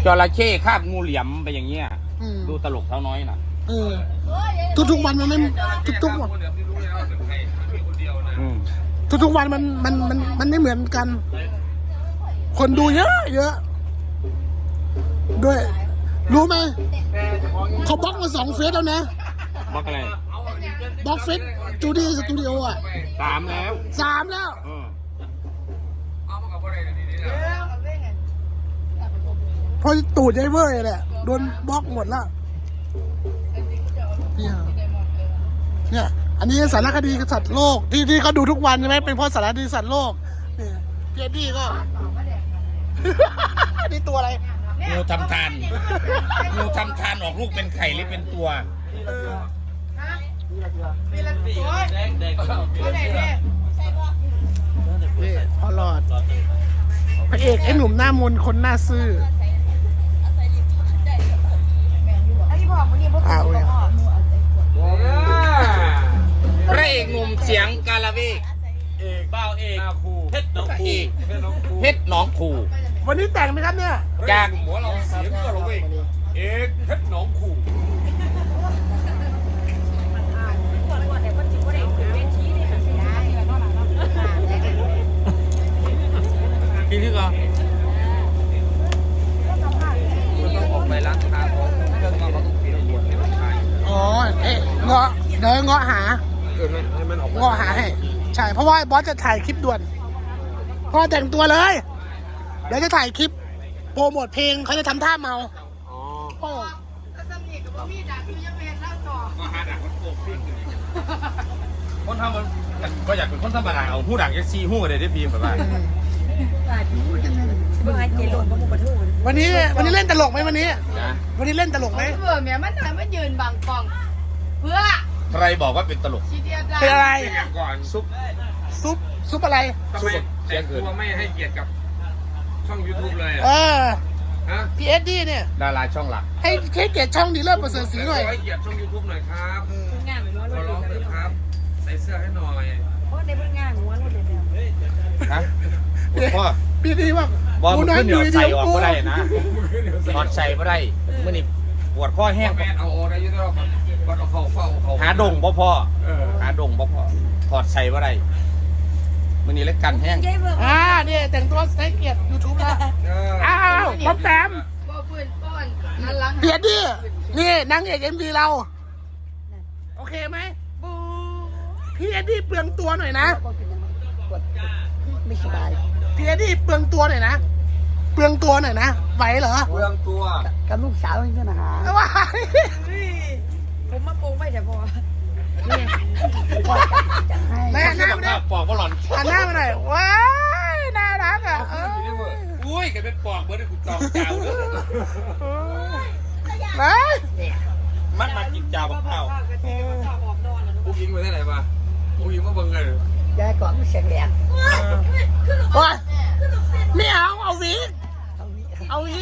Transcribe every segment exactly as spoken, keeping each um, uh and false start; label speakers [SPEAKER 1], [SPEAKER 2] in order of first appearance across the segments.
[SPEAKER 1] จระเข้คาบงูเหลี่ยมไปอย่างเงี้ยดูตลกเท่าน้อยน่ะ
[SPEAKER 2] เออทุกทุกวันมันไม่ทุกทุกวันทุกทุกวันมันมันมันมันไม่เหมือนกัน คนดูเยอะเยอะด้วยรู้ไหมเขาบล็อกมาสองเฟซแล้วนะ
[SPEAKER 1] บล็อกอะไร
[SPEAKER 2] บล็อกเฟซจูดี้สตูดิโออ่ะ
[SPEAKER 1] สามแล้ว
[SPEAKER 2] สามแล้วพอตูดไอ้เว้ยแหละโดนบล็อกหมดแล้วเนี่ยเนี่ยอันนี้สารคดีสัตว์โลกที่ที่เขาดูทุกวันใช่ไหมเป็นเพราะสารคดีสัตว์โลกเนี่ยเพียดี้ก็ นี่ตัวอะไร
[SPEAKER 1] งูทำทานงูทำทานออกลูกเป็นไข่หรือเป็นตัว
[SPEAKER 2] นี่พอหลอดพระเอกไอ้หนุ่มหน้ามนคนหน้าซื่ออ้าว
[SPEAKER 1] พระเอกหนุ่มเสียงกาลาเวกเอกบ้าเอกเพชรหนองคูเพชรหนองคู
[SPEAKER 2] วันนี้แต่งไหมครับเนี่ย
[SPEAKER 1] จากหัวเราเสียงกาลาเวกเอกเพชรหนองคูพี่พี่ก่อนต้องออกไปร้านค้าเขาเรื่องเขาต้องเปลี่ยนบวชให้มันใช่
[SPEAKER 2] อ๋อเอ๊ะเงาะเดี๋ยวเงาะหา
[SPEAKER 1] เออให้มันออก
[SPEAKER 2] เงาะหาให้ใช่เพราะว่าบอสจะถ่ายคลิปด่วนพอแต่งตัวเลยเดี๋ยวจะถ่ายคลิปโปรโมทเพลงเขาจะทำท่าเมา
[SPEAKER 1] อ๋อคนทำมันก็อยากเป็นคนธรรมดาเอาหูดังแค่ซีหูอะไรได้พีแบบว่า
[SPEAKER 2] วันนี้วันนี้เล่นตลกไหมวันนี้วันนี้เล่นตลกไหม
[SPEAKER 3] เบื่อเมียมันทำมันยืนบังกล้องเพื่อ
[SPEAKER 1] ใครบอกว่าเป็นตลก
[SPEAKER 2] เป็นอะไร
[SPEAKER 1] ก่อนซุป
[SPEAKER 2] ซุปซุปอะไร
[SPEAKER 1] ทำไมแต่งตัวไม่ให้เกียรติกับช่องยูทูบเลย
[SPEAKER 2] เออพีเอสดีเนี่ย
[SPEAKER 1] ดาราช่องหลัก
[SPEAKER 2] ให้ให้เกียรติช่องดีเลิศประเสริฐศรีหน่อย
[SPEAKER 1] ให้เกียรติช่องยูทูบหน่อยครับขอร้องเลยครับใส่เสื้อให้หน่อย
[SPEAKER 3] เพราะในเพื่อนงานหัวรถเดียว
[SPEAKER 1] ฮะพ่อ
[SPEAKER 2] พี่ดีว่า
[SPEAKER 1] บอลมันขึ้นเดี๋ยวใส่ออกก็ได้นะถอดใส่ก็ได้เมื่อนี่ปวดข้อแห้งเอาอะไรยุ่งเราบอลเอาเข่าเฝ้าเขาหาดงพ่อพ่อหาดงพ่อพ่อถอดใส่ก็ได้เมื่อนี่เล็กกันแห้ง
[SPEAKER 2] อ่าเนี่ยแต่งตัวใส่เกียรติยูทูบนะอ้าวป๊อปแปมเพียดดินี่นางเอกเอ็มวีเราโอเคไหมพี่เอ็ดดี้เปลืองตัวหน่อยนะไม่สบายพี่เอ็ดดี้เปลืองตัวหน่อยนะเปลืองตัวหน่อยนะไหวเหรอ
[SPEAKER 1] เปลืองตัว
[SPEAKER 4] กับลูกสาวนี่นะฮะ
[SPEAKER 2] ว้า
[SPEAKER 3] ผมมาปรุงไม่แต่พอ
[SPEAKER 2] แม่หน้าไม่ได้
[SPEAKER 1] ปอกก็หล่อน
[SPEAKER 2] หันหน้ามาหน่อยว้ายน่ารักอ่ะ
[SPEAKER 1] อุ้ยแกเป็นปอกเบอร์ได้กูจองเจ้าเลย
[SPEAKER 2] มา
[SPEAKER 1] มันมากินเจ้ากับข้าวผู้หญิงไปที่ไหนมาผู้หญิงมาเบิ่งเลย
[SPEAKER 4] ยายก่อนเสียงแหลม
[SPEAKER 2] โอ้ยไม่เอาเอาวีเอาวี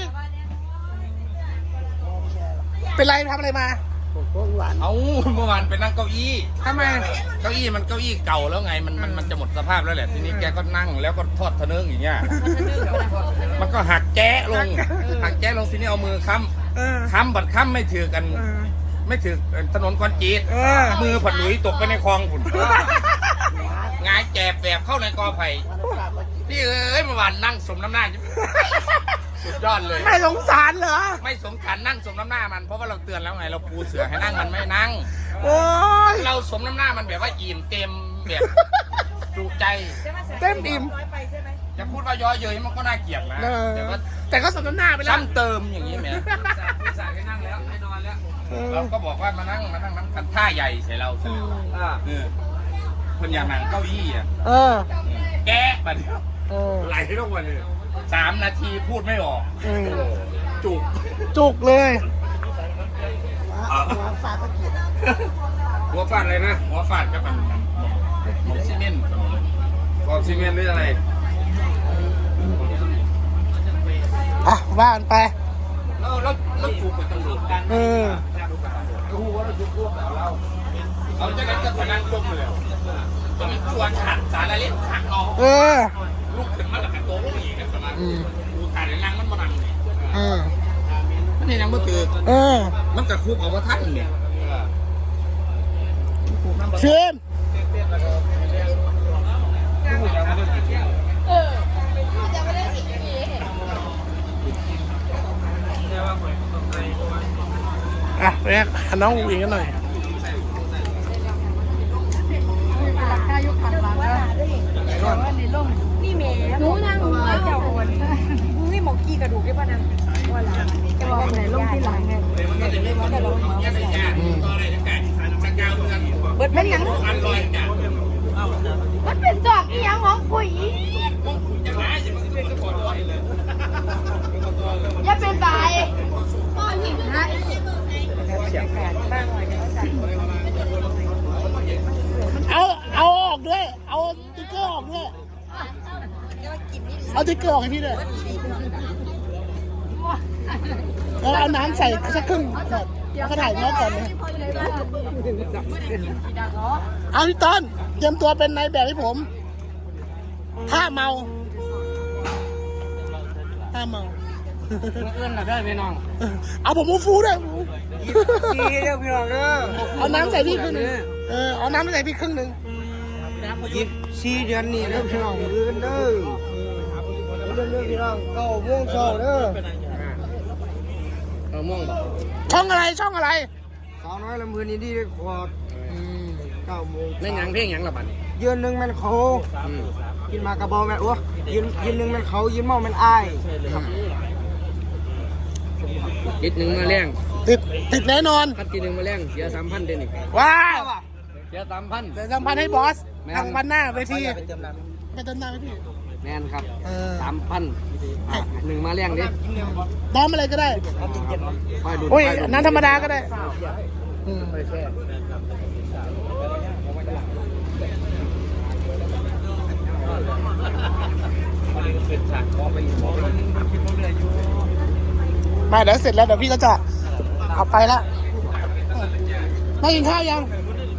[SPEAKER 2] เป็นไรทำอะไรมา
[SPEAKER 1] เอาเมื่อวานไปนั่งเก้าอี้
[SPEAKER 2] ทำไม
[SPEAKER 1] เก้าอี้มันเก้าอี้เก่าแล้วไงมันมันมันจะหมดสภาพแล้วแหละทีนี้แกก็นั่งแล้วก็ทอดทะเนิงอย่างเงี้ยมันก็หักแจ๊ลงหักแจ๊ลงทีนี้เอามือค้ำค้ำบัดค้ำไม่ถือกันไม่ถือถนนคอนกรีตมือผัดหลุยตกไปในคลองฝุ่นงายแจบแบบเข้าในกอไผ่นี่เอ้ยเมื่อวานนั่งสมน้ำหน้าสุดยอดเลย
[SPEAKER 2] ไม่สงสารเหรอ
[SPEAKER 1] ไม่สงสารนั่งสมน้ำหน้ามันเพราะว่าเราเตือนแล้วไงเราปูเสือให้นั่งมันไม่นั่ง
[SPEAKER 2] โอ้ย
[SPEAKER 1] เราสมน้ำหน้ามันแบบว่าอิ่มเต็มแบบจุใจ
[SPEAKER 2] เต็มอิ่ม
[SPEAKER 1] จะพูดว่าย้อยเย้ยมันก็น่าเกลียดนะแต่ว่า
[SPEAKER 2] แต่ก็สมน้ำหน้าไปแล้ว
[SPEAKER 1] ซ้ำเติมอย่างนี้แม่สายให้นั่งแล้วให้นอนแล้วเราก็บอกว่ามานั่งมานั่งนั่งกันท่าใหญ่ใส่เราใช่ไหมคนอย่างนั่งเก้าอี้อ่ะแกะมาเดียวไหลทุกวันเลยสามนาทีพูดไม่ออกจุก
[SPEAKER 2] จุกเลย
[SPEAKER 4] หัวฟาดก็เกลียด
[SPEAKER 1] หัวฟาดอะไรนะหัวฟาดก็เป็นหมกซีเมนต์หมกซีเมนต์หรืออะไร
[SPEAKER 2] อ่ะบ้านไป
[SPEAKER 1] แล้วแล้วแล้วจุกเป็นตำรวจเออรู้ว่าเราจุกพวกเราเราเราจะงั้นจะพนันจมเลยตอนนี้ชวนขัดสารเล่นขัดเอา
[SPEAKER 2] เออ
[SPEAKER 1] ลูกขึ้นมาแล้วกันโตลูกอีกนะประมาณดูถ่ายในรังมันมาดังเลยมันยังไม่ตื่น
[SPEAKER 2] เออ
[SPEAKER 1] มันกระคุบเอาว่าทัดเนี่ย
[SPEAKER 2] เชิญ
[SPEAKER 3] เออจะไม่ได้อีกที
[SPEAKER 2] อ่ะไปหาน้องอูอิงกันหน่อย
[SPEAKER 3] ราคายุคพันบาทแล้วแต่ว่าในร่มนี่เมย์หนูนางหัวเจ้าคนมึงให้หมอกี้กระดูกได้ป่ะนะว่าหลังจะบอกไหนร่มที่หลังไงแต่เราหัวไม่ใส่เบิดเป็นหยังมันเป็นจอกอีหยังของปุ๋ยอย่าเป็นใบก้อนหินฮะ
[SPEAKER 2] เอาเอาออกด้วย เอาติ๊กเกอร์ออกด้วย เอาติ๊กเกอร์ออกให้พี่ด้วยแล้วเอาน้ำใส่สักครึ่งแบบแล้วก็ถ่ายน้องก่อนนะเอาพี่ต้นเตรียมตัวเป็นนายแบบให้ผมถ้าเมาถ้าเมา
[SPEAKER 4] เอื้อนหน่อยได้พี่น้อง
[SPEAKER 2] เอาผมมูฟูด้วย
[SPEAKER 4] ซีเด้อพี่น้องเด้อ
[SPEAKER 2] เอาน้ำใส่พี่ครึ่งหนึงเออเอาน้ำใส่พี่ครึ่งหนึง
[SPEAKER 4] ยิบซีเดือนนี้เด้อพี่น้องเอื้อนเด้อเอื้อนเด้อพี่น้องเก้าโมงเช้าเด้อเก้าโมง
[SPEAKER 2] ช่องอะไรช่องอะไร
[SPEAKER 4] สาวน้อยลำพูนอินดี้ขวดเก้าโมง
[SPEAKER 1] เล่นหยังเพลงหยังละบัด
[SPEAKER 4] ยืนหนึ่งมันเขากินมากระบอกแม่โอ้ยืนยืนหนึ่งมันเขายืนเมามันอ้าย
[SPEAKER 1] ติดหนึ่งมาแรง
[SPEAKER 2] ติดติดแน่นอน
[SPEAKER 1] พัดทีหนึ่งมาแรงเสียสามพันเดนี่
[SPEAKER 2] ว้าว
[SPEAKER 1] เสียสามพัน
[SPEAKER 2] เดี๋ยวสัมพันธ์ให้บอสทางวันหน้าเวทีไปเติมน้ำให้พี่
[SPEAKER 1] แมนครับ
[SPEAKER 2] เออ
[SPEAKER 1] สามพันหนึ่งมาแรงดิ
[SPEAKER 2] น้ำอะไรก็ได้
[SPEAKER 1] คอยดู
[SPEAKER 2] โอ้ยน้ำธรรมดาก็ได้อืม มาเดี๋ยวเสร็จแล้วเดี๋ยวพี่ก็จะเอาไปละไม่กินข้าวยัง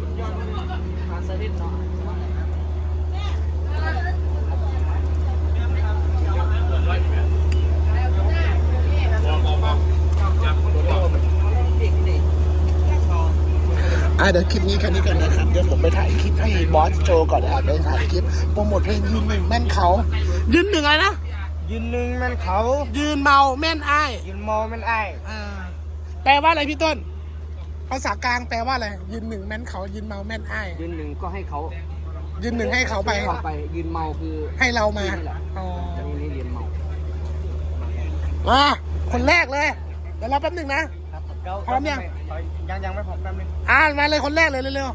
[SPEAKER 2] อ่ะเดี๋ยวคลิปนี้แค่นี้ก่อนนะครับเดี๋ยวผมไปถ่ายคลิปให้บอสโจก่อนนะครับไปถ่ายคลิปโปรโมทเพลงยืนหนึ่งแม่นเขายืนหนึ่งอะไรนะ
[SPEAKER 4] ยืนหนึ่งมันเขา
[SPEAKER 2] ยืนเมาแม่นอ้าย
[SPEAKER 4] ยืนเมามันอ้าย
[SPEAKER 2] อ่าแปลว่าอะไรพี่ต้นภาษากลางแปลว่าอะไรยืนหนึ่งแม่นเขายืนเมาแม่นอ้าย
[SPEAKER 1] ยืนหนึ่งก็ให้เขา
[SPEAKER 2] ยืนหนึ่งให้เขาไป
[SPEAKER 1] เข้าไปยืนเมาคือ
[SPEAKER 2] ให้เรามาอ๋อ
[SPEAKER 1] นี่นี่ยืนเมา
[SPEAKER 2] มาคนแรกเลย เดี๋ยวรอแป๊บหนึ่งนะ พร้อมยัง
[SPEAKER 4] ยังยังไม่พร้อมแป๊บนึง
[SPEAKER 2] อ่ามาเลยคนแรกเลยเร็ว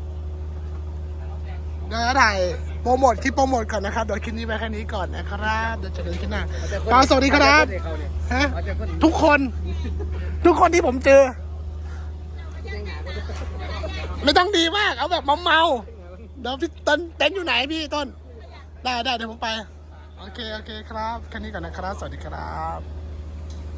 [SPEAKER 2] ๆเดี๋ยวจะถ่ายโปรโมทคลิปโปรโมทก่อนนะครับเดี๋ยวคลิปนี้ไปแค่นี้ก่อนนะครับเดี๋ยวเจะเดินขึ้นหน้าปาสวัสดีครับฮะทุกคน ทุกคนที่ผมเจอ ไม่ต้องดีมากเอาแบบเมาๆเดี๋ยวพี่ต้นเต็นท์อยู่ไหนพี่ต้นได้ได้เดี๋ยวผมไปโอเคโอเคครับแค่นี้ก่อนนะครับสวัสดีครับ